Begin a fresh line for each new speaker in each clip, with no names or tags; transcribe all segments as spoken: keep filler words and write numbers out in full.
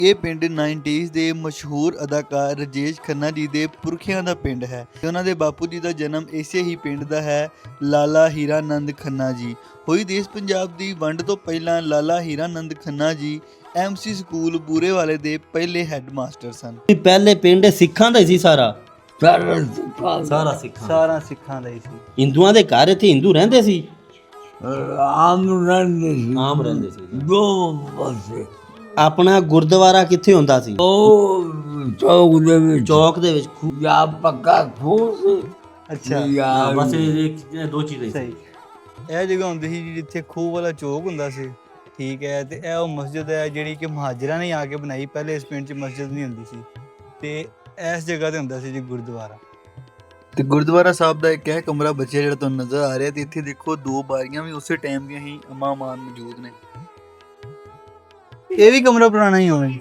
ਇਹ ਪਿੰਡ ਨਾਈਨਟੀਜ਼ ਦੇ ਮਸ਼ਹੂਰ ਅਦਾਕਾਰ ਰਾਜੇਸ਼ ਖੰਨਾ ਜੀ ਦੇ ਪੁਰਖਿਆਂ ਦਾ ਪਿੰਡ ਹੈ ਤੇ ਉਹਨਾਂ ਦੇ ਬਾਪੂ ਜੀ ਦਾ ਜਨਮ ਇਸੇ ਹੀ ਪਿੰਡ ਦਾ ਹੈ। ਲਾਲਾ ਹੀਰਾਨੰਦ ਖੰਨਾ ਜੀ ਹੋਈ ਦੇਸ਼ ਪੰਜਾਬ ਦੀ ਵੰਡ ਤੋਂ ਪਹਿਲਾਂ ਲਾਲਾ ਹੀਰਾਨੰਦ ਖੰਨਾ ਜੀ ਐਮਸੀ ਸਕੂਲ ਬੂਰੇਵਾਲੇ ਦੇ ਪਹਿਲੇ ਹੈੱਡ ਮਾਸਟਰ ਸਨ।
ਪਹਿਲੇ ਪਿੰਡ ਸਿੱਖਾਂ ਦਾ ਹੀ ਸੀ ਸਾਰਾ
ਸਾਰਾ ਸਿੱਖਾਂ
ਸਾਰਾ ਸਿੱਖਾਂ
ਸਾਰਾ ਸਿੱਖਾਂ ਦਾ ਹੀ ਸੀ।
ਹਿੰਦੂਆਂ ਦੇ ਘਰ ਇੱਥੇ ਹਿੰਦੂ ਰਹਿੰਦੇ ਸੀ,
ਆਮ ਰਹਿੰਦੇ ਸੀ,
ਆਮ ਰਹਿੰਦੇ ਸੀ।
ਦੋ ਪਾਸੇ
ਆਪਣਾ ਗੁਰਦੁਆਰਾ ਕਿੱਥੇ ਹੁੰਦਾ ਸੀ?
ਉਹ ਚੌਕ ਦੇ ਵਿੱਚ
ਚੌਕ ਦੇ ਵਿੱਚ ਖੂਹ।
ਜਾਂ ਪੱਕਾ ਖੂਹ ਸੀ
ਅੱਛਾ
ਜਾਂ
ਬਸ ਇਹ ਦੋ ਚੀਜ਼ਾਂ ਹੀ
ਸਹੀ। ਇਹ ਜਗ੍ਹਾ ਹੁੰਦੀ ਸੀ ਜੀ ਜਿੱਥੇ ਖੂਹ ਵਾਲਾ ਚੌਕ ਹੁੰਦਾ ਸੀ, ਠੀਕ ਹੈ। ਤੇ ਇਹ ਉਹ ਮਸਜਿਦ ਹੈ ਜਿਹੜੀ ਕਿ ਮੁਹਾਜਿਰਾਂ ਨੇ ਆ ਕੇ ਬਣਾਈ। ਪਹਿਲੇ ਇਸ ਪਿੰਡ 'ਚ ਮਸਜਿਦ ਨਹੀਂ ਹੁੰਦੀ ਸੀ ਤੇ ਇਸ ਜਗ੍ਹਾ ਤੇ ਹੁੰਦਾ ਸੀ ਜੀ ਗੁਰਦੁਆਰਾ। ਤੇ ਗੁਰਦੁਆਰਾ ਸਾਹਿਬ ਦਾ ਇੱਕ ਇਹ ਕਮਰਾ ਬਚਿਆ ਜਿਹੜਾ ਤੁਹਾਨੂੰ ਨਜ਼ਰ ਆ ਰਿਹਾ ਤੇ ਇੱਥੇ ਦੇਖੋ ਦੋ ਬਾਰੀਆਂ ਵੀ ਉਸੇ ਟਾਈਮ ਦੀਆਂ ਹੀ ਅਮਾਮਾਨ ਮੌਜੂਦ ਨੇ। ਇਹ ਵੀ ਕਮਰਾ ਪੁਰਾਣਾ ਹੀ ਹੋਣਾ ਜੀ।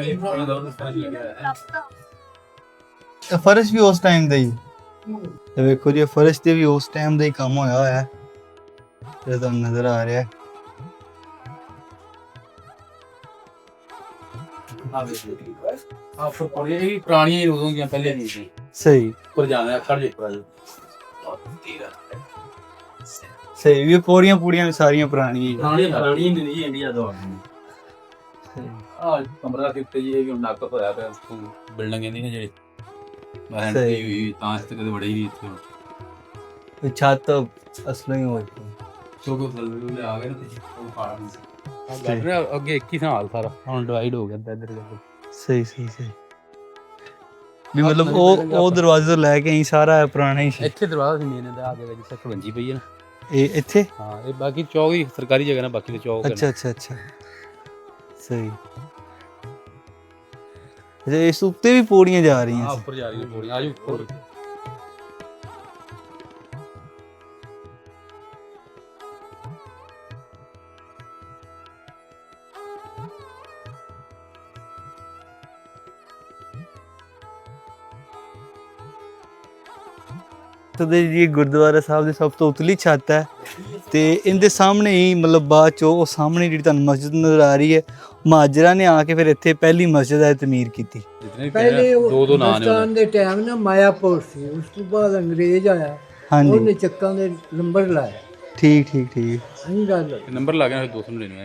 ਫਰਸ਼ ਵੀ ਉਸ ਟਾਈਮ ਦਾ ਹੀ ਤੇ ਵੇਖੋ ਜੀ ਫਰਸ਼ ਤੇ ਵੀ ਉਸ ਟਾਈਮ ਦਾ ਹੀ ਕੰਮ ਹੋਇਆ ਹੋਇਆ ਹੈ ਜਿਹੜਾ ਤੁਹਾਨੂੰ ਨਜ਼ਰ ਆ ਰਿਹਾ ਹੈ।
ਆਪ ਪੜ੍ਹੇ ਇਹ ਪੁਰਾਣੀਆਂ ਹੀ ਉਦੋਂ ਦੀਆਂ ਪਹਿਲੇ ਨਹੀਂ ਸੀ।
ਸਹੀ
ਪਰ ਜਾਣਾ ਖੜ ਜੇ
ਸਹੀ ਵੀ ਪੌੜੀਆਂ ਪੂੜੀਆਂ ਵੀ ਸਾਰੀਆਂ ਪੁਰਾਣੀਆਂ ਹੀ ਆ।
ਪੁਰਾਣੀ ਪੁਰਾਣੀ ਨਹੀਂ ਜੀ ਇੰਡੀਆ ਤੋਂ ਆ ਕਮਰਾ ਕਿਤੇ ਜੀ ਇਹ ਵੀ ਨੱਕ ਹੋਇਆ ਪਿਆ ਬਿਲਡਿੰਗ ਇਹਦੀ ਨਾ ਜਿਹੜੀ ਮੈਂ
ਸਹੀ।
ਹੋਈ ਤਾਂ ਇਸ ਤੇ ਕਦੇ ਵੜੇ ਹੀ ਨਹੀਂ ਇੱਥੇ
ਇਹ ਛੱਤ ਅਸਲੋਂ ਹੀ ਹੋਈ
ਕਿਉਂਕਿ ਥੱਲੇ ਲਿਆ ਗਏ ਨਾ ਤੇ ਉਹ ਫਾੜ ਨਹੀਂ ਸੀ। ਗੱਲ ਨਾ ਅੱਗੇ ਇੱਕ ਹੀ ਸਾਲ ਸਾਰਾ ਹੁਣ ਡਿਵਾਈਡ ਹੋ ਗਿਆ ਇੱਧਰ ਇੱਧਰ।
ਸਹੀ ਸਹੀ ਸਹੀ ਵੀ ਮਤਲਬ ਉਹ ਉਹ ਦਰਵਾਜ਼ੇ ਤੋਂ ਲੈ ਕੇ ਹੀ ਸਾਰਾ ਪੁਰਾਣਾ ਹੀ ਸੀ।
ਇੱਥੇ ਦਰਵਾਜ਼ਾ ਸੀ ਮੇਨ ਦਾ ਆਗੇ ਜਿੱਥੇ ਖਵੰਜੀ ਪਈ ਹੈ ਨਾ
ਇਹ ਇੱਥੇ
ਹਾਂ ਇਹ ਬਾਕੀ ਚੌਕ ਹੀ ਸਰਕਾਰੀ ਜਗ੍ਹਾ ਨਾ ਬਾਕੀ ਦੇ ਚੌਕ
ਅੱਛਾ ਅੱਛਾ ਅੱਛਾ ਸਹੀ। ਜੇ ਇਸ ਉੱਤੇ ਵੀ ਪੌੜੀਆਂ ਜਾ ਰਹੀਆਂ
ਆ
ਸੀ।
ਉੱਪਰ ਜਾ ਰਹੀ ਹੈ ਪੌੜੀ ਆਜੋ ਉੱਪਰ।
ਤੇ ਜੀ ਗੁਰਦੁਆਰਾ ਸਾਹਿਬ ਦੀ ਸਭ ਤੋਂ ਉਤਲੀ ਛੱਤ ਹੈ ਤੇ ਇਹਦੇ ਸਾਹਮਣੇ ਹੀ ਮਤਲਬ ਬਾਅਦ ਚੋਂ ਉਹ ਸਾਹਮਣੇ ਜਿਹੜੀ ਤੁਹਾਨੂੰ ਮਸਜਿਦ ਨਜ਼ਰ ਆ ਰਹੀ ਹੈ ਮੁਹਾਜਿਰਾਂ ਨੇ ਆ ਕੇ ਫਿਰ ਇੱਥੇ ਪਹਿਲੀ ਮਸਜਿਦ ਹੈ ਤਮੀਰ ਕੀਤੀ।
ਪਹਿਲੇ
ਦੋ ਦੋ ਨਾਂ ਨੇ
ਹਿੰਦੁਸਤਾਨ ਦੇ ਟਾਈਮ ਨਾ ਮਾਇਆਪੁਰ ਸੀ, ਉਸ ਤੋਂ ਬਾਅਦ ਅੰਗਰੇਜ਼ ਆਇਆ
ਹਾਂਜੀ
ਉਹਨੇ ਚੱਕਾਂ ਦੇ ਨੰਬਰ ਲਾਇਆ।
ਠੀਕ ਠੀਕ ਠੀਕ
ਅਸੀਂ ਗੱਲ
ਨੰਬਰ ਲੱਗ ਗਿਆ ਦੋ ਸੌ ਨੜਿਨਵੇਂ।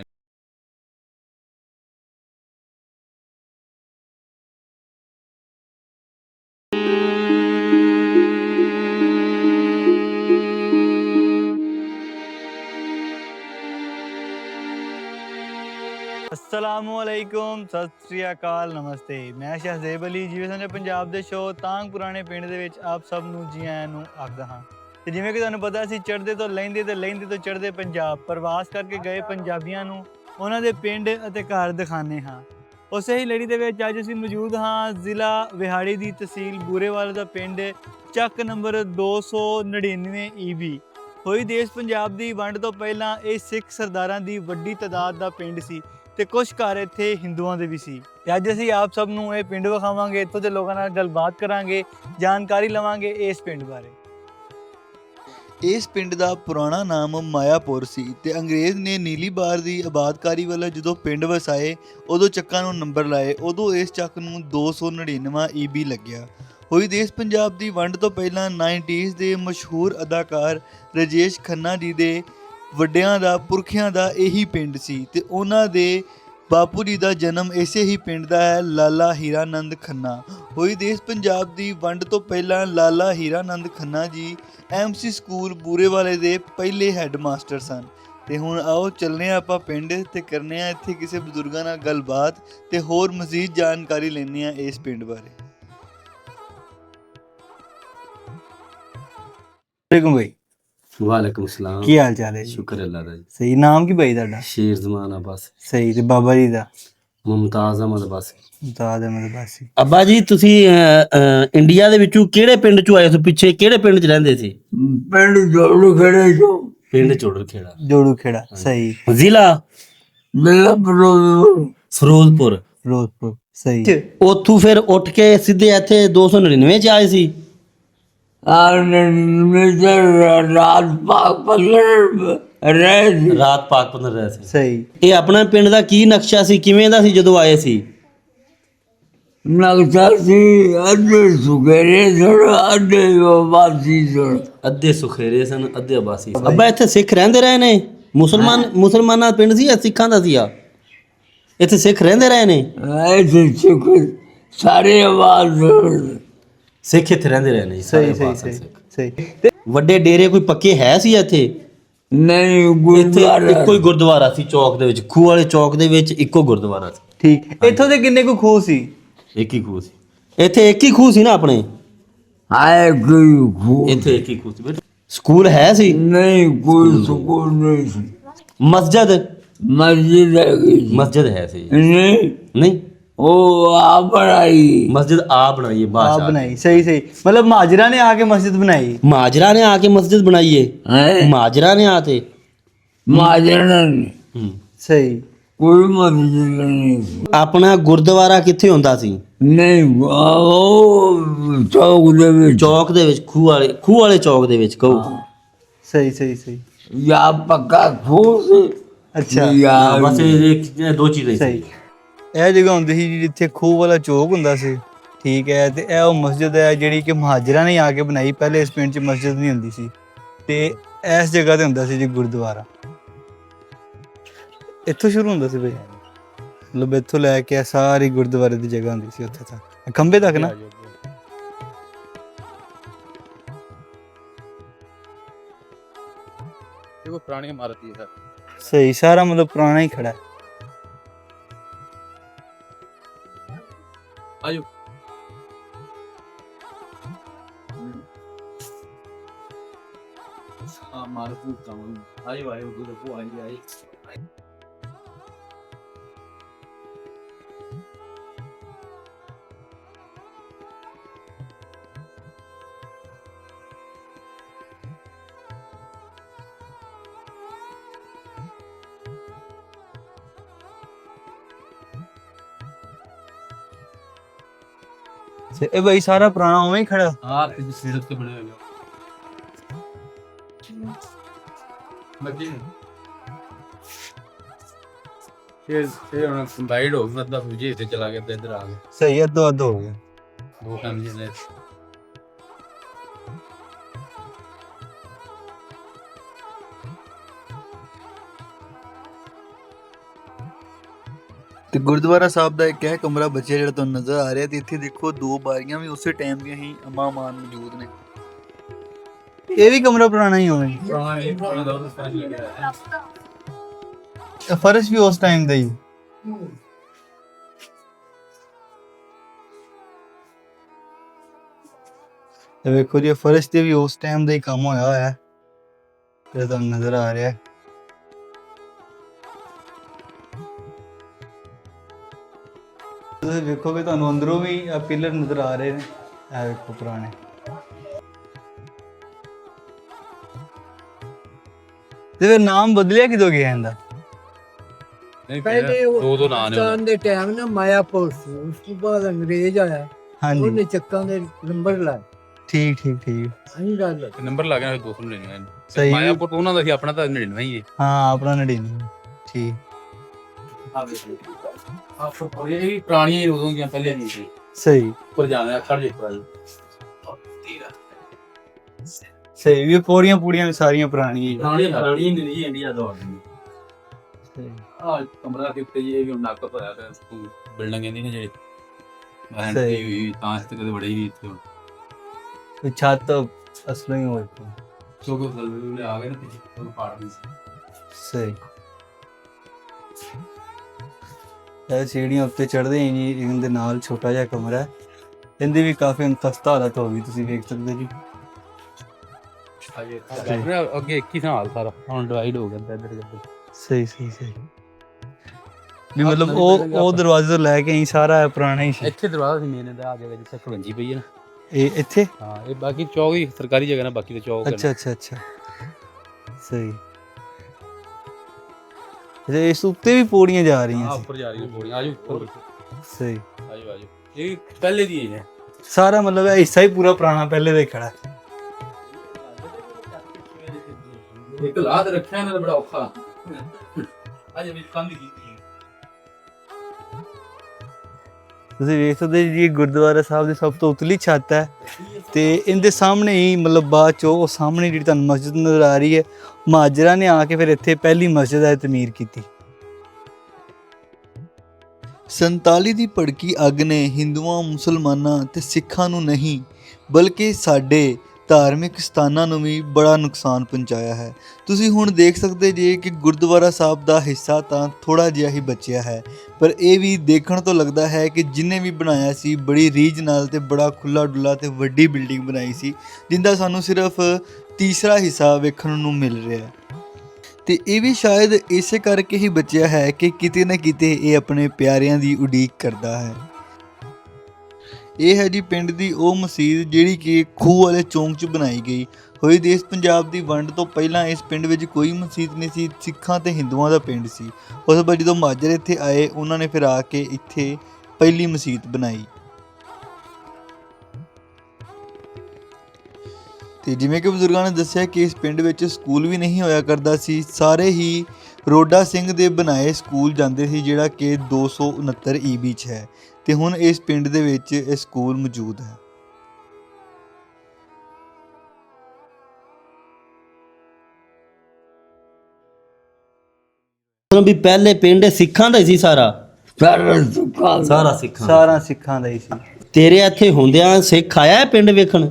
ਅਸਲਾਮੁਅਲੈਕੁਮ, ਸਤਿ ਸ੍ਰੀ ਅਕਾਲ, ਨਮਸਤੇ। ਮੈਂ ਸ਼ਹਜ਼ੇਬ ਅਲੀ ਜਿਵੇਂ ਸਮਝੇ ਪੰਜਾਬ ਦੇ ਸ਼ੋਅ ਤਾਂਗ ਪੁਰਾਣੇ ਪਿੰਡ ਦੇ ਵਿੱਚ ਆਪ ਸਭ ਨੂੰ ਜੀ ਆਇਆਂ ਨੂੰ ਆਖਦਾ ਹਾਂ। ਤੇ ਜਿਵੇਂ ਕਿ ਤੁਹਾਨੂੰ ਪਤਾ ਸੀ ਚੜ੍ਹਦੇ ਤੋਂ ਲਹਿੰਦੇ ਤੇ ਲਹਿੰਦੇ ਤੋਂ ਚੜ੍ਹਦੇ ਪੰਜਾਬ ਪ੍ਰਵਾਸ ਕਰਕੇ ਗਏ ਪੰਜਾਬੀਆਂ ਨੂੰ ਉਹਨਾਂ ਦੇ ਪਿੰਡ ਅਤੇ ਘਰ ਦਿਖਾਉਂਦੇ ਹਾਂ। ਉਸੇ ਹੀ ਲੜੀ ਦੇ ਵਿੱਚ ਅੱਜ ਅਸੀਂ ਮੌਜੂਦ ਹਾਂ ਜ਼ਿਲ੍ਹਾ ਵਿਹਾੜੀ ਦੀ ਤਹਿਸੀਲ ਬੂਰੇਵਾਲਾ ਦਾ ਪਿੰਡ ਚੱਕ ਨੰਬਰ ਦੋ ਸੌ ਨੜਿਨਵੇਂ ਈ ਬੀ। ਹੋਈ ਦੇਸ਼ ਪੰਜਾਬ ਦੀ ਵੰਡ ਤੋਂ ਪਹਿਲਾਂ ਇਹ ਸਿੱਖ ਸਰਦਾਰਾਂ ਦੀ ਵੱਡੀ ਤਾਦਾਦ ਦਾ ਪਿੰਡ ਸੀ ਤੇ ਕੁਝ ਘਰ ਇੱਥੇ ਹਿੰਦੂਆਂ ਦੇ ਵੀ ਸੀ। ਤੇ ਅੱਜ ਅਸੀਂ ਆਪ ਸਭ ਨੂੰ ਇਹ ਪਿੰਡ ਵਿਖਾਵਾਂਗੇ, ਇੱਥੋਂ ਦੇ ਲੋਕਾਂ ਨਾਲ ਗੱਲਬਾਤ ਕਰਾਂਗੇ, ਜਾਣਕਾਰੀ ਲਵਾਂਗੇ ਇਸ ਪਿੰਡ ਬਾਰੇ। ਇਸ ਪਿੰਡ ਦਾ ਪੁਰਾਣਾ ਨਾਮ ਮਾਇਆਪੁਰ ਸੀ ਤੇ ਅੰਗਰੇਜ਼ ਨੇ ਨੀਲੀ ਬਾਰ ਦੀ ਆਬਾਦਕਾਰੀ ਵੱਲੋਂ ਜਦੋਂ ਪਿੰਡ ਵਸਾਏ ਉਦੋਂ ਚੱਕਾਂ ਨੂੰ ਨੰਬਰ ਲਾਏ, ਉਦੋਂ ਇਸ ਚੱਕ ਨੂੰ ਦੋ ਸੌ ਨੜਿਨਵਾਂ ਈ ਬੀ ਲੱਗਿਆ। ਹੋਈ ਦੇਸ਼ ਪੰਜਾਬ ਦੀ ਵੰਡ ਤੋਂ ਪਹਿਲਾਂ ਨਾਈਨਟੀਜ਼ ਦੇ ਮਸ਼ਹੂਰ ਅਦਾਕਾਰ ਰਾਜੇਸ਼ ਖੰਨਾ ਜੀ ਦੇ ਵੱਡਿਆਂ ਦਾ ਪੁਰਖਿਆਂ ਦਾ ਇਹੀ ਪਿੰਡ ਸੀ ਤੇ ਉਹਨਾਂ ਦੇ ਬਾਪੂ ਜੀ ਦਾ ਜਨਮ ਇਸੇ ਹੀ ਪਿੰਡ ਦਾ ਹੈ, ਲਾਲਾ ਹੀਰਾਨੰਦ ਖੰਨਾ। ਹੋਈ ਦੇਸ਼ ਪੰਜਾਬ ਦੀ ਵੰਡ ਤੋਂ ਪਹਿਲਾਂ ਲਾਲਾ ਹੀਰਾਨੰਦ ਖੰਨਾ ਜੀ ਐਮਸੀ ਸਕੂਲ ਬੂਰੇਵਾਲੇ ਦੇ ਪਹਿਲੇ ਹੈੱਡ ਮਾਸਟਰ ਸਨ। ਤੇ ਹੁਣ ਆਓ ਚੱਲਨੇ ਆ ਆਪਾਂ ਪਿੰਡ ਤੇ ਕਰਨੇ ਆ ਇੱਥੇ ਕਿਸੇ ਬਜ਼ੁਰਗਾਂ ਨਾਲ ਗੱਲਬਾਤ ਤੇ ਹੋਰ ਮਜ਼ੀਦ ਜਾਣਕਾਰੀ ਲੈਣੇ ਆ ਇਸ ਪਿੰਡ ਬਾਰੇ। ਵਾਲੇਕੁਮ ਭਾਈ।
ਵਾਲੇਕੁਮ ਸਲਾਮ।
ਕੀ ਹਾਲ ਚਾਲ ਹੈ ਜੀ?
ਸ਼ੁਕਰ ਅੱਲਾ ਦਾ ਜੀ।
ਸਹੀ। ਨਾਮ ਕੀ ਭਾਈ ਤੁਹਾਡਾ?
ਸ਼ੇਰ ਜ਼ਮਾਨ ਅਬਾਸ।
ਸਹੀ। ਤੇ ਬਾਬਾ ਜੀ ਦਾ?
ਮੁਮਤਾਜ਼ ਅਹਿਮਦ ਅਬਾਸ।
ਮੁਮਤਾਜ਼ ਅਹਿਮਦ ਅਬਾਸੀ।
ਅੱਬਾ ਜੀ ਤੁਸੀਂ ਇੰਡੀਆ ਦੇ ਵਿੱਚੋਂ ਕਿਹੜੇ ਪਿੰਡ ਚੋਂ ਆਏ ਸੀ? ਪਿੱਛੇ ਕਿਹੜੇ ਪਿੰਡ 'ਚ ਰਹਿੰਦੇ ਸੀ?
ਪਿੰਡ ਜੋੜੂ ਖੜੇ ਜੋ
ਪਿੰਡ ਜੋੜੂ ਖੇੜਾ।
ਜੋੜੂ ਖੇੜਾ। ਸਹੀ।
ਜ਼ਿਲ੍ਹਾ
ਮੇਲਾ ਫਿਰੋਜ਼ਪੁਰ।
ਫਿਰੋਜ਼ਪੁਰ।
ਫਿਰੋਜ਼ਪੁਰ। ਸਹੀ।
ਉੱਥੋਂ ਫਿਰ ਉੱਠ ਕੇ ਸਿੱਧੇ ਇੱਥੇ ਦੋ ਸੌ ਨੜਿਨਵੇਂ 'ਚ ਆਏ ਸੀ?
ਆਰ ਨੇ ਰਾਤ ਪਾਕ ਪਸਰ ਰਹਿ
ਰਾਤ ਪਾਕ ਪੰਦਰ ਰਹੇ ਸੀ।
ਸਹੀ।
ਇਹ ਆਪਣਾ ਪਿੰਡ ਦਾ ਕੀ ਨਕਸ਼ਾ ਸੀ, ਕਿਵੇਂ ਦਾ ਸੀ ਜਦੋਂ ਆਏ ਸੀ?
ਨਕਸ਼ਾ ਸੀ ਅੱਧੇ ਸੁਗਰੇ ਸਨ ਅੱਧੇ ਵਾਸੀ ਸਨ।
ਅੱਧੇ ਸੁਖੇਰੇ ਸਨ ਅੱਧੇ ਆਬਾਸੀ ਸਨ। ਅੱਬਾ ਇੱਥੇ ਸਿੱਖ ਰਹਿੰਦੇ ਰਹੇ ਨੇ? ਮੁਸਲਮਾਨ ਮੁਸਲਮਾਨਾਂ ਦਾ ਪਿੰਡ ਸੀ ਜਾਂ ਸਿੱਖਾਂ ਦਾ ਸੀ ਆ? ਇੱਥੇ ਸਿੱਖ ਰਹਿੰਦੇ ਰਹੇ ਨੇ?
ਐਸੇ ਸਿੱਖ ਸਾਰੇ ਆਵਾਜ਼
ਸਿੱਖ ਇੱਥੇ ਰਹਿੰਦੇ ਰਹੇ ਨੇ ਜੀ, ਸਾਰੇ
ਸਹੀ ਸਹੀ
ਆਬਾਸ
ਸਹੀ
ਸਿੱਖ।
ਸਹੀ ਤੇ
ਵੱਡੇ ਡੇਰੇ ਕੋਈ ਪੱਕੇ ਹੈ ਸੀ ਇੱਥੇ?
ਨਹੀਂ
ਇੱਥੇ
ਗੁਰਦੁਆਰਾ
ਇੱਕੋ ਹੀ ਗੁਰਦੁਆਰਾ ਸੀ ਚੌਕ ਦੇ ਵਿੱਚ, ਖੂਹ ਵਾਲੇ ਚੌਕ ਦੇ ਵਿੱਚ ਇੱਕੋ ਗੁਰਦੁਆਰਾ ਸੀ।
ਠੀਕ। ਇੱਥੋਂ ਦੇ ਕਿੰਨੇ ਕੁ ਖੂਹ ਸੀ?
ਇੱਕ ਹੀ ਖੂਹ ਸੀ ਇੱਥੇ, ਇੱਕ ਹੀ ਖੂਹ ਸੀ ਨਾ ਆਪਣੇ
ਆਏ ਕੋਈ ਖੂਹ
ਇੱਥੇ, ਇੱਕ ਹੀ ਖੂਹ ਸੀ ਬੇਟਾ। ਸਕੂਲ ਹੈ ਸੀ?
ਨਹੀਂ ਕੋਈ ਸਕੂਲ ਨਹੀਂ ਸੀ।
ਮਸਜਿਦ?
ਮਸਜਿਦ ਹੈਗੀ ਸੀ।
ਮਸਜਿਦ ਹੈ ਸੀ?
ਨਹੀਂ
ਨਹੀਂ,
ਉਹ ਆ ਬਣਾਈ
ਮਸਜਿਦ ਆ ਬਣਾਈ ਹੈ
ਆਪ
ਬਾਦਸ਼ਾਹ।
ਬਣਾਈ। ਸਹੀ ਸਹੀ, ਮਤਲਬ ਮਹਾਜਰਾ ਨੇ ਆ ਕੇ ਮਸਜਿਦ ਬਣਾਈ।
ਮਾਜਰਾ ਨੇ ਆ ਕੇ ਮਸਜਿਦ ਬਣਾਈ ਹੈ?
ਹੈ
ਮਾਜਰਾ ਨੇ ਆ ਤੇ
ਮਾਜਣਾ ਨਹੀਂ
ਹੂੰ।
ਸਹੀ।
ਕੋਈ ਮਸਜਿਦ ਨਹੀਂ ਸੀ।
ਆਪਣਾ ਗੁਰਦੁਆਰਾ ਕਿੱਥੇ ਹੁੰਦਾ ਸੀ?
ਨਹੀਂ ਉਹ ਚੌਕ ਦੇ ਵਿੱਚ
ਚੌਕ ਦੇ ਵਿੱਚ, ਖੂਹ ਵਾਲੇ ਖੂਹ ਵਾਲੇ ਚੌਕ ਦੇ ਵਿੱਚ ਕਹੋ।
ਸਹੀ ਸਹੀ ਸਹੀ।
ਜਾਂ ਪੱਕਾ ਖੂਹ ਸੀ
ਅੱਛਾ
ਹਾਂ,
ਜਾਂ
ਬਸ ਇਹ ਇਹ- ਇਹ ਦੋ ਚੀਜ਼ਾਂ ਹੀ
ਸਹੀ।
ਸੀ।
ਇਹ ਜਗ੍ਹਾ ਹੁੰਦੀ ਸੀ ਜੀ ਜਿੱਥੇ ਖੂਹ ਵਾਲਾ ਚੌਕ ਹੁੰਦਾ ਸੀ। ਠੀਕ ਹੈ। ਤੇ ਇਹ ਉਹ ਮਸਜਿਦ ਹੈ ਜਿਹੜੀ ਕਿ ਮਹਾਜਰਾਂ ਨੇ ਆ ਕੇ ਬਣਾਈ। ਪਹਿਲੇ ਇਸ ਪਿੰਡ 'ਚ ਮਸਜਿਦ ਨਹੀਂ ਹੁੰਦੀ ਸੀ ਤੇ ਇਸ ਜਗ੍ਹਾ ਤੇ ਹੁੰਦਾ ਸੀ ਜੀ ਗੁਰਦੁਆਰਾ। ਇੱਥੋਂ ਸ਼ੁਰੂ ਹੁੰਦਾ ਸੀ ਬਈ, ਮਤਲਬ ਇੱਥੋਂ ਲੈ ਕੇ ਇਹ ਸਾਰੀ ਗੁਰਦੁਆਰੇ ਦੀ ਜਗ੍ਹਾ ਹੁੰਦੀ ਸੀ ਉੱਥੇ ਤੱਕ, ਖੰਭੇ ਤੱਕ ਨਾ।
ਦੇਖੋ ਪੁਰਾਣੀ ਇਮਾਰਤ ਹੀ ਹੈ ਸਰ।
ਸਹੀ, ਸਾਰਾ ਮਤਲਬ ਪੁਰਾਣਾ ਹੀ ਖੜਾ ਹੈ।
ਆਜੋ ਆ ਮਾਰਤ ਨੂੰ ਕੰਮ ਆਇਓ ਆਇਓ ਗੁਰੂ ਕੋ ਆਈ ਆਈ।
ਤੇ ਇਹ ਬਈ ਸਾਰਾ ਪੁਰਾਣਾ ਉਵੇਂ ਹੀ ਖੜਾ।
ਹਾਂ ਤੇ ਸਿਰ ਤੇ ਬਣੇ ਹੋਏ ਮੱਜੀ ਇਹ ਇਹ ਹੁਣ ਕੰਬਾਈਡ ਹੋ ਗਿਆ ਮਤਲਬ ਜੀ ਇੱਥੇ ਚਲਾ ਗਿਆ ਤੇ ਇੱਧਰ ਆ ਗਿਆ।
ਸਹੀ, ਅੱਧੋ ਅੱਧ ਹੋ ਗਿਆ।
ਦੋ ਕੰਮ ਜਿਹਨੇ
ਤੇ ਗੁਰਦੁਆਰਾ ਸਾਹਿਬ ਦਾ ਇੱਕ ਹੈ ਕਮਰਾ ਬਚਿਆ ਜਿਹੜਾ ਤੁਹਾਨੂੰ ਨਜ਼ਰ ਆ ਰਿਹਾ। ਤੇ ਇੱਥੇ ਦੇਖੋ ਦੋ ਬਾਰੀਆਂ ਵੀ ਉਸੇ ਟਾਈਮ ਦੀਆਂ ਹੀ ਅਮਾਮਾਨ ਮੌਜੂਦ ਨੇ। ਇਹ ਵੀ ਕਮਰਾ ਪੁਰਾਣਾ ਹੀ ਹੋਵੇ।
ਪੁਰਾਣਾ ਇਹ ਪੁਰਾਣਾ ਦਾ ਉਹ ਸਪੈਸ਼ਲ ਲੱਗਿਆ ਹੈ।
ਇਹ ਫਰਸ਼ ਵੀ ਉਸ ਟਾਈਮ ਦਾ ਹੀ। ਇਹ ਵੇਖੋ ਜੀ, ਫਰਸ਼ ਤੇ ਵੀ ਉਸ ਟਾਈਮ ਦਾ ਹੀ ਕੰਮ ਹੋਇਆ ਹੋਇਆ ਹੈ ਜਿਹੜਾ ਤੁਹਾਨੂੰ ਨਜ਼ਰ ਆ ਰਿਹਾ ਹੈ। ਤੁਸੀਂ ਵੇਖੋਗੇ ਤੁਹਾਨੂੰ ਅੰਦਰੋਂ ਵੀ ਪਿਲਰ ਨਜ਼ਰ ਆ ਰਹੇ ਨੇ। ਇਹ ਵੇਖੋ ਪੁਰਾਣੇ। ਤੇ ਫਿਰ ਨਾਮ ਬਦਲਿਆ ਕਿਦੋਂ ਗਿਆ ਇਹਦਾ?
ਨਹੀਂ
ਪਹਿਲੇ
ਦੋ ਦੋ ਨਾਂ ਨੇ
ਪਾਕਿਸਤਾਨ ਦੇ ਟਾਈਮ ਨਾ ਮਾਇਆਪੁਰ ਸੀ, ਉਸ ਤੋਂ ਬਾਅਦ ਅੰਗਰੇਜ਼ ਆਇਆ,
ਹਾਂਜੀ
ਉਹਨੇ ਚੱਕਾਂ ਦੇ ਨੰਬਰ ਲਾਏ।
ਠੀਕ ਠੀਕ ਠੀਕ।
ਅਸੀਂ ਗੱਲ
ਨੰਬਰ ਲੱਗ ਗਿਆ ਦੋ ਸੌ ਨੜਿਨਵੇਂ।
ਸਹੀ।
ਮਾਇਆਪੁਰ ਉਹਨਾਂ ਦਾ ਸੀ, ਆਪਣਾ ਤਾਂ ਨੜਿਨਵੇਂ ਹੀ ਹੈ।
ਹਾਂ ਆਪਣਾ ਨੜਿਨਵੇਂ। ਠੀਕ।
ਆਪੋ ਇਹ ਵੀ ਪੁਰਾਣੀਆਂ ਹੀ ਉਦੋਂ ਦੀਆਂ ਪਹਿਲੇ ਨਹੀਂ ਸੀ।
ਸਹੀ
ਉੱਪਰ ਜਾਣਾ ਖੜ ਜੇ ਪਰ
ਸਹੀ। ਵੀ ਪੌੜੀਆਂ ਪੂੜੀਆਂ ਵੀ ਸਾਰੀਆਂ ਪੁਰਾਣੀਆਂ ਹੀ ਆ।
ਪੁਰਾਣੀ ਪੁਰਾਣੀ ਨਹੀਂ ਇੰਡੀਆ ਦੌਰ ਦੀ।
ਸਹੀ।
ਆ ਕਮਰਾ ਦੇ ਉੱਤੇ ਜੀ ਇਹ ਵੀ ਹੁਣ ਨੱਕ ਹੋਇਆ ਪਿਆ ਸਕੂਲ ਬਿਲਡਿੰਗ ਕਹਿੰਦੀ ਨੇ ਜਿਹੜੀ ਮੈਂ
ਸਹੀ।
ਹੋਈ ਤਾਂ ਇਸ ਤੇ ਕਦੇ ਬੜੀ ਵੀ ਇੱਥੇ ਹੁਣ
ਤੇ ਛੱਤ ਅਸਲੋਂ ਹੀ ਹੋਈ ਪਈ।
ਕਿਉਂਕਿ ਥੱਲੇ ਆ ਗਏ ਨਾ ਪਿੱਛੇ ਉਹ ਪਾੜ ਨਹੀਂ ਸੀ।
ਸਹੀ। ਇਹ ਸੀੜੀਆਂ ਉੱਤੇ ਚੜ੍ਹਦੇ ਹੀ ਨਹੀਂ। ਇਹਦੇ ਨਾਲ ਛੋਟਾ ਜਿਹਾ ਕਮਰਾ ਹੈ। ਇਹਦੀ ਵੀ ਕਾਫੀ ਹੁਣ ਖਸਤਾ ਹਾਲਤ ਹੋ ਗਈ, ਤੁਸੀਂ ਵੇਖ ਸਕਦੇ ਜੀ।
ਅੱਗੇ ਇੱਕ ਹੀ ਸਾਲ ਸਾਰਾ ਹੁਣ ਡਿਵਾਈਡ ਹੋ ਗਿਆ ਇੱਧਰ ਇੱਧਰ।
ਸਹੀ ਸਹੀ ਸਹੀ। ਵੀ ਮਤਲਬ ਉਹ ਉਹ ਦਰਵਾਜ਼ੇ ਤੋਂ ਲੈ ਕੇ ਹੀ ਸਾਰਾ ਪੁਰਾਣਾ ਹੀ ਸੀ।
ਇੱਥੇ ਦਰਵਾਜ਼ਾ ਸੀ ਮੇਨ ਦਾ, ਆ ਜਗ੍ਹਾ ਜਿੱਥੇ ਖਵੰਜੀ ਪਈ ਹੈ ਨਾ
ਇਹ ਇੱਥੇ।
ਹਾਂ ਇਹ ਬਾਕੀ ਚੌਕ ਹੀ ਸਰਕਾਰੀ ਜਗ੍ਹਾ ਨਾ, ਬਾਕੀ ਤਾਂ ਚੌਕ
ਅੱਛਾ ਅੱਛਾ ਅੱਛਾ। ਸਹੀ। ਅੱਛਾ ਇਸ ਉੱਤੇ ਵੀ ਪੌੜੀਆਂ ਜਾ ਰਹੀਆਂ ਸੀ।
ਉੱਪਰ ਜਾ ਰਹੀ ਪੌੜੀ। ਆਜੋ ਉੱਪਰ
ਸਹੀ।
ਆਜੋ ਆਜੋ। ਇਹ ਪਹਿਲੇ ਦੀ ਹੈ
ਸਾਰਾ ਮਤਲਬ ਇਹ ਹਿੱਸਾ ਹੀ ਪੂਰਾ ਪੁਰਾਣਾ ਪਹਿਲੇ ਦਾ ਹੀ ਖੜਾ ਹੈ।
ਇੱਕ ਲਾਤ ਰੱਖਿਆ ਨਾ ਬੜਾ ਔਖਾ ਅਜੇ ਵੀ ਕੰਧ ਕੀਤੀ
ਤੁਸੀਂ ਵੇਖ ਸਕਦੇ ਜੀ ਇਹ ਗੁਰਦੁਆਰਾ ਸਾਹਿਬ ਦੀ ਸਭ ਤੋਂ ਉਤਲੀ ਛੱਤ ਹੈ ਤੇ ਇਹਦੇ ਸਾਹਮਣੇ ਹੀ ਮਤਲਬ ਬਾਅਦ ਚੋਂ ਉਹ ਸਾਹਮਣੇ ਜਿਹੜੀ ਤੁਹਾਨੂੰ ਮਸਜਿਦ ਨਜ਼ਰ ਆ ਰਹੀ ਹੈ, ਮਹਾਜਰਾਂ ਨੇ ਆ ਕੇ ਫਿਰ ਇੱਥੇ ਪਹਿਲੀ ਮਸਜਿਦ ਹੈ ਤਮੀਰ ਕੀਤੀ। ਸੰਤਾਲੀ ਦੀ ਭੜਕੀ ਅੱਗ ਨੇ ਹਿੰਦੂਆਂ, ਮੁਸਲਮਾਨਾਂ ਤੇ ਸਿੱਖਾਂ ਨੂੰ ਨਹੀਂ ਬਲਕਿ ਸਾਡੇ ਧਾਰਮਿਕ ਸਥਾਨਾਂ ਨੂੰ ਵੀ ਬੜਾ ਨੁਕਸਾਨ ਪਹੁੰਚਾਇਆ ਹੈ। ਤੁਸੀਂ ਹੁਣ ਦੇਖ ਸਕਦੇ ਜੇ ਕਿ ਗੁਰਦੁਆਰਾ ਸਾਹਿਬ ਦਾ ਹਿੱਸਾ ਤਾਂ ਥੋੜਾ ਜਿਹਾ ਹੀ ਬਚਿਆ ਹੈ, ਪਰ ਇਹ ਵੀ ਦੇਖਣ ਤੋਂ ਲੱਗਦਾ ਹੈ ਕਿ ਜਿਨੇ ਵੀ ਬਣਾਇਆ ਸੀ ਬੜੀ ਰੀਝ ਨਾਲ ਤੇ ਬੜਾ ਖੁੱਲਾ ਡੁੱਲਾ ਤੇ ਵੱਡੀ ਬਿਲਡਿੰਗ ਬਣਾਈ ਸੀ, ਜਿੰਦਾ ਸਾਨੂੰ ਸਿਰਫ ਤੀਸਰਾ ਹਿੱਸਾ ਵੇਖਣ ਨੂੰ ਮਿਲ ਰਿਹਾ ਹੈ। ਤੇ ਇਹ ਵੀ ਸ਼ਾਇਦ ਇਸੇ ਕਰਕੇ ਹੀ ਬਚਿਆ ਹੈ ਕਿ ਕਿਤੇ ਨਾ ਕਿਤੇ ਇਹ ਆਪਣੇ ਪਿਆਰਿਆਂ ਦੀ ਉਡੀਕ ਕਰਦਾ ਹੈ। ਇਹ ਹੈ ਜੀ ਪਿੰਡ ਦੀ ਉਹ ਮਸਜਿਦ ਜਿਹੜੀ ਕਿ ਖੂਹ ਵਾਲੇ ਚੌਂਕ 'ਚ ਬਣਾਈ ਗਈ ਹੋਈ। ਦੇਸ਼ ਪੰਜਾਬ ਦੀ ਵੰਡ ਤੋਂ ਪਹਿਲਾਂ ਇਸ ਪਿੰਡ ਵਿੱਚ ਕੋਈ ਮਸਜਿਦ ਨਹੀਂ ਸੀ, ਸਿੱਖਾਂ ਤੇ ਹਿੰਦੂਆਂ ਦਾ ਪਿੰਡ ਸੀ। ਉਸ ਤੋਂ ਬਾਅਦ ਜਦੋਂ ਮਹਾਜਰ ਇੱਥੇ ਆਏ ਉਹਨਾਂ ਨੇ ਫਿਰ ਆ ਕੇ ਇੱਥੇ ਪਹਿਲੀ ਮਸਜਿਦ ਬਣਾਈ। ਤੇ ਜਿਵੇਂ ਕਿ ਬਜ਼ੁਰਗਾਂ ਨੇ ਦੱਸਿਆ ਕਿ ਇਸ ਪਿੰਡ ਵਿੱਚ ਸਕੂਲ ਵੀ ਨਹੀਂ ਹੋਇਆ ਕਰਦਾ ਸੀ, ਸਾਰੇ ਹੀ ਰੋਡਾ ਸਿੰਘ ਦੇ ਬਣਾਏ ਸਕੂਲ ਜਾਂਦੇ ਸੀ, ਜਿਹੜਾ ਕਿ ਦੋ ਸੌ ਉਨੱਤਰ ਈਬੀ 'ਚ ਹੈ। ਤੇ ਹੁਣ ਇਸ ਪਿੰਡ ਦੇ ਵਿੱਚ ਇਹ ਸਕੂਲ ਮੌਜੂਦ ਹੈ।
ਵੀ ਪਹਿਲੇ ਪਿੰਡ ਸਿੱਖਾਂ ਦਾ ਹੀ ਸੀ ਸਾਰਾ
ਸਾਰਾ ਸੁੱਕਾ
ਸਾਰਾ ਸਿੱਖਾਂ ਦਾ।
ਸਾਰਾ ਸਿੱਖਾਂ ਦਾ ਹੀ ਸੀ।
ਤੇਰੇ ਇੱਥੇ ਹੁੰਦਿਆਂ ਸਿੱਖ ਆਇਆ ਪਿੰਡ ਵੇਖਣ?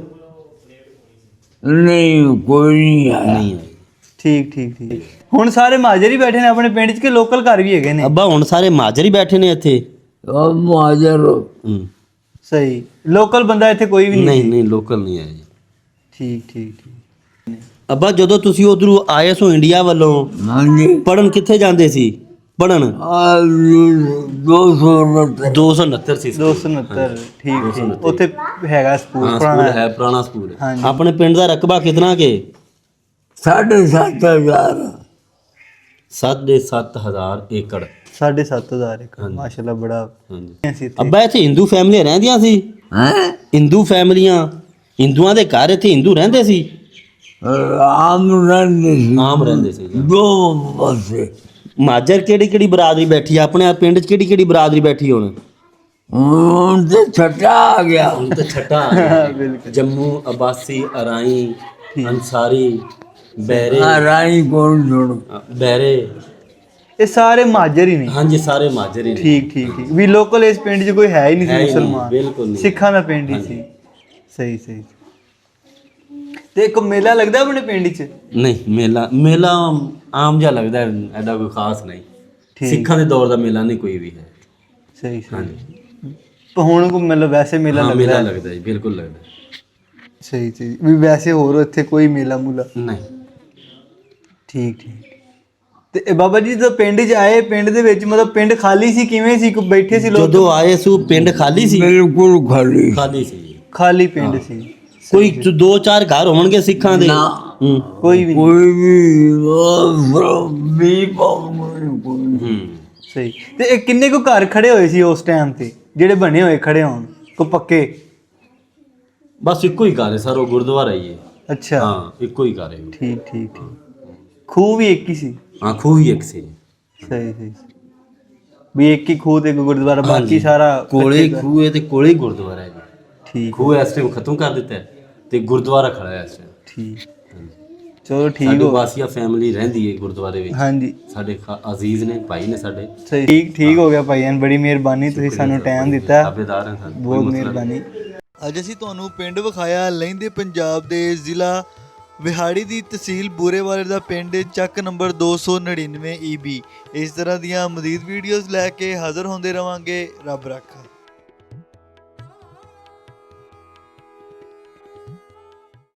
ਨਹੀਂ, ਕੋਈ ਨਹੀਂ ਆਇਆ।
ਨਹੀਂ ਆਇਆ।
ਠੀਕ ਠੀਕ ਠੀਕ। ਹੁਣ ਸਾਰੇ ਮਹਾਜਰ ਹੀ ਬੈਠੇ ਨੇ ਆਪਣੇ ਪਿੰਡ 'ਚ ਕਿ ਲੋਕਲ ਘਰ ਵੀ ਹੈਗੇ ਨੇ?
ਅੱਬਾ ਹੁਣ ਸਾਰੇ ਮਾਜਰ ਹੀ ਬੈਠੇ ਨੇ ਇੱਥੇ।
ਉਹ ਮਾਜਰ
ਹੂੰ।
ਸਹੀ, ਲੋਕਲ ਬੰਦਾ ਇੱਥੇ ਕੋਈ ਵੀ ਨਹੀਂ?
ਨਹੀਂ ਨਹੀਂ ਲੋਕਲ ਨਹੀਂ ਆਇਆ ਜੀ।
ਠੀਕ ਠੀਕ ਠੀਕ।
ਅੱਬਾ ਜਦੋਂ ਤੁਸੀਂ ਉਧਰੋਂ ਆਏ ਸੋ ਇੰਡੀਆ ਵੱਲੋਂ
ਹਾਂਜੀ
ਪੜਨ ਕਿੱਥੇ ਜਾਂਦੇ ਸੀ ਪੜਨ?
ਆ ਦੋ ਸੌ ਉਨੱਤਰ
ਦੋ ਸੌ ਉਨੱਤਰ ਸੀ
ਦੋ ਸੌ ਉਨੱਤਰ। ਠੀਕ ਠੀਕ। ਉੱਥੇ ਹੈਗਾ ਸਕੂਲ
ਹਾਂ
ਪੁਰਾਣਾ
ਸਕੂਲ ਹੈ, ਪੁਰਾਣਾ ਸਕੂਲ ਹੈ।
ਹਾਂਜੀ।
ਆਪਣੇ ਪਿੰਡ ਦਾ ਰਕਬਾ ਕਿਤਨਾ ਕੇ?
ਸਾਢੇ ਸੱਤ ਹਜ਼ਾਰ
ਸਾਢੇ ਸੱਤ ਹਜ਼ਾਰ ਏਕੜ।
ਸਾਢੇ ਸੱਤ ਹਜ਼ਾਰ ਏਕੜ।
ਹਾਂਜੀ।
ਮਾਸ਼ਾਅੱਲਾ ਬੜਾ
ਹਾਂਜੀ।
ਅਸੀਂ ਇੱਥੇ।
ਅੱਬਾ ਇੱਥੇ ਹਿੰਦੂ ਫੈਮਲੀਆਂ ਰਹਿੰਦੀਆਂ ਸੀ?
ਹੈ
ਹਿੰਦੂ ਫੈਮਲੀਆਂ, ਹਿੰਦੂਆਂ ਦੇ ਘਰ ਇੱਥੇ ਹਿੰਦੂ ਰਹਿੰਦੇ ਸੀ?
ਆਮ ਰਹਿੰਦੇ ਸੀ,
ਆਮ ਰਹਿੰਦੇ ਸੀ ਜੀ।
ਦੋ ਪਾਸੇ।
ਮਾਜਰ ਕਿਹੜੀ ਕਿਹੜੀ ਬਰਾਦਰੀ ਬੈਠੀ ਆ ਆਪਣੇ ਪਿੰਡ 'ਚ? ਕਿਹੜੀ ਕਿਹੜੀ ਬਰਾਦਰੀ ਬੈਠੀ ਹੁਣ?
ਹੁਣ ਤੇ ਛੱਟਾ ਆ ਗਿਆ।
ਹੁਣ ਤਾਂ ਛੱਟਾ ਆ ਗਿਆ। ਜੰਮੂ, ਅਬਾਸੀ, ਅਰਾਈ, ਅੰਸਾਰੀ, ਬਹਿਰੇ,
ਆ ਰਾਈ ਕੋਲ ਜੁੜ
ਬਹਿਰੇ,
ਇਹ ਸਾਰੇ ਮਹਾਜਰ ਹੀ ਨੇ?
ਹਾਂਜੀ ਸਾਰੇ ਮਾਜਰ ਹੀ ਨੇ।
ਠੀਕ ਠੀਕ ਠੀਕ। ਵੀ ਲੋਕਲ ਇਸ ਪਿੰਡ 'ਚ ਕੋਈ ਹੈ ਹੀ ਨਹੀਂ
ਹੈ
ਸੀ
ਹੀ ਨਹੀਂ,
ਮੁਸਲਮਾਨ,
ਬਿਲਕੁਲ ਨਹੀਂ।
ਸਿੱਖਾਂ ਦਾ ਪਿੰਡ ਹੀ ਸੀ। ਸਹੀ ਸਹੀ। ਤੇ ਇੱਕ ਮੇਲਾ ਲੱਗਦਾ ਆਪਣੇ ਪਿੰਡ 'ਚ?
ਨਹੀਂ ਮੇਲਾ ਮੇਲਾ ਆਮ ਜਿਹਾ ਲੱਗਦਾ ਹੈ, ਐਡਾ ਕੋਈ ਖਾਸ ਨਹੀਂ।
ਠੀਕ।
ਸਿੱਖਾਂ ਦੇ ਦੌਰ ਦਾ ਮੇਲਾ ਨਹੀਂ ਕੋਈ ਵੀ ਹੈ।
ਸਹੀ ਸਹੀ।
ਹਾਂਜੀ
ਪਰ ਹੁਣ ਕੋ ਮਤਲਬ ਵੈਸੇ ਮੇਲਾ
ਹਾਂ,
ਲੱਗਦਾ
ਮੇਲਾ
ਹੈ?
ਲੱਗਦਾ ਜੀ, ਬਿਲਕੁਲ ਲੱਗਦਾ।
ਸਹੀ ਸਹੀ। ਵੀ ਵੈਸੇ ਹੋਰ ਇੱਥੇ ਕੋਈ ਮੇਲਾ ਮੂਲਾ?
ਨਹੀਂ।
ਠੀਕ ਠੀਕ। ਤੇ ਇਹ ਬਾਬਾ ਜੀ ਜਦੋਂ ਪਿੰਡ 'ਚ ਆਏ, ਪਿੰਡ ਦੇ ਵਿੱਚ ਮਤਲਬ ਪਿੰਡ ਖਾਲੀ ਸੀ ਕਿਵੇਂ ਸੀ? ਕੋਈ ਬੈਠੇ ਸੀ ਲੋਕ?
ਜਦੋਂ ਆਏ ਸੂ ਪਿੰਡ ਖਾਲੀ ਸੀ?
ਬਿਲਕੁਲ ਖਾਲੀ।
ਖਾਲੀ ਸੀ ਜੀ।
ਖਾਲੀ ਪਿੰਡ ਸੀ?
ਕੋਈ ਚ- ਦੋ ਚਾਰ ਘਰ ਹੋਣਗੇ ਸਿੱਖਾਂ ਦੇ?
ਨਾ।
ਹੂੰ
ਕੋਈ ਵੀ ਨਹੀਂ?
ਕੋਈ ਵੀ ਵੀ ਪਾਉਂ ਕੋਈ
ਹੂੰ।
ਸਹੀ। ਤੇ ਇਹ ਕਿੰਨੇ ਕੁ ਘਰ ਖੜੇ ਹੋਏ ਸੀ ਉਸ ਟਾਈਮ ਤੇ ਜਿਹੜੇ ਬਣੇ ਹੋਏ ਖੜੇ ਹੋਣ ਕੋ ਪੱਕੇ?
ਬਸ ਇੱਕੋ ਹੀ ਘਰ ਹੈ ਸਰ, ਉਹ ਗੁਰਦੁਆਰਾ ਹੀ ਹੈ।
ਅੱਛਾ।
ਹਾਂ ਇੱਕੋ ਹੀ ਘਰ ਹੈ ਉਹ।
ਠੀਕ ਠੀਕ ਠੀਕ। ਖੂਹ ਵੀ ਇੱਕ ਹੀ ਸੀ?
ਹਾਂ ਖੂਹ ਹੀ ਇੱਕ ਸੀ।
ਸਹੀ ਸਹੀ। ਵੀ ਇੱਕ ਹੀ ਖੂਹ ਤੇ ਇੱਕ ਗੁਰਦੁਆਰਾ, ਬਾਕੀ
ਹਾਂਜੀ।
ਸਾਰਾ
ਕੋਲੇ
ਕੱਚੇ ਘਰ।
ਖੂਹ ਹੈ ਤੇ ਕੋਲੇ ਹੀ ਗੁਰਦੁਆਰਾ ਹੈ ਜੀ।
ਠੀਕ
ਖੂਹ ਇਸ ਟਾਈਮ ਖਤਮ ਕਰ ਦਿੱਤਾ ਹੈ ਤੇ ਗੁਰਦੁਆਰਾ ਖੜਾ ਹੈ ਇਸ ਟਾਈਮ।
ਠੀਕ। ਚਲੋ ਠੀਕ
ਸਾਡੀ
ਹੋ।
ਵਾਸੀਆ ਫੈਮਿਲੀ ਰਹਿੰਦੀ ਹੈ ਗੁਰਦੁਆਰੇ ਵਿੱਚ।
ਹਾਂਜੀ
ਸਾਡੇ ਖਾ- ਅਜ਼ੀਜ਼ ਨੇ, ਭਾਈ ਨੇ ਸਾਡੇ।
ਸਹੀ। ਠੀਕ ਠੀਕ ਹੋ ਗਿਆ ਭਾਈਆਂ, ਬੜੀ ਮਿਹਰਬਾਨੀ, ਤੁਸੀਂ ਸਾਨੂੰ ਟਾਈਮ ਦਿੱਤਾ,
ਤਾਬੇਦਾਰ ਹਾਂ ਸਾਨੂੰ, ਕੋਈ
ਬਹੁਤ
ਮਸਲਾ ਨਹੀਂ।
ਮਿਹਰਬਾਨੀ। ਅੱਜ ਅਸੀਂ ਤੁਹਾਨੂੰ ਪਿੰਡ ਵਿਖਾਇਆ ਲਹਿੰਦੇ ਪੰਜਾਬ ਦੇ ਜ਼ਿਲ੍ਹਾ ਵਿਹਾੜੀ ਦੀ ਤਹਿਸੀਲ ਬੂਰੇਵਾਲੇ ਦਾ ਪਿੰਡ, ਚੱਕ ਨੰਬਰ ਦੋ ਸੌ ਨੜਿਨਵੇਂ ਈ ਬੀ। ਇਸ ਤਰ੍ਹਾਂ ਦੀਆਂ ਮਜ਼ੀਦ ਵੀਡੀਓਜ਼ ਲੈ ਕੇ ਹਾਜ਼ਰ ਹੁੰਦੇ ਰਵਾਂਗੇ। ਰੱਬ ਰਾਖਾ।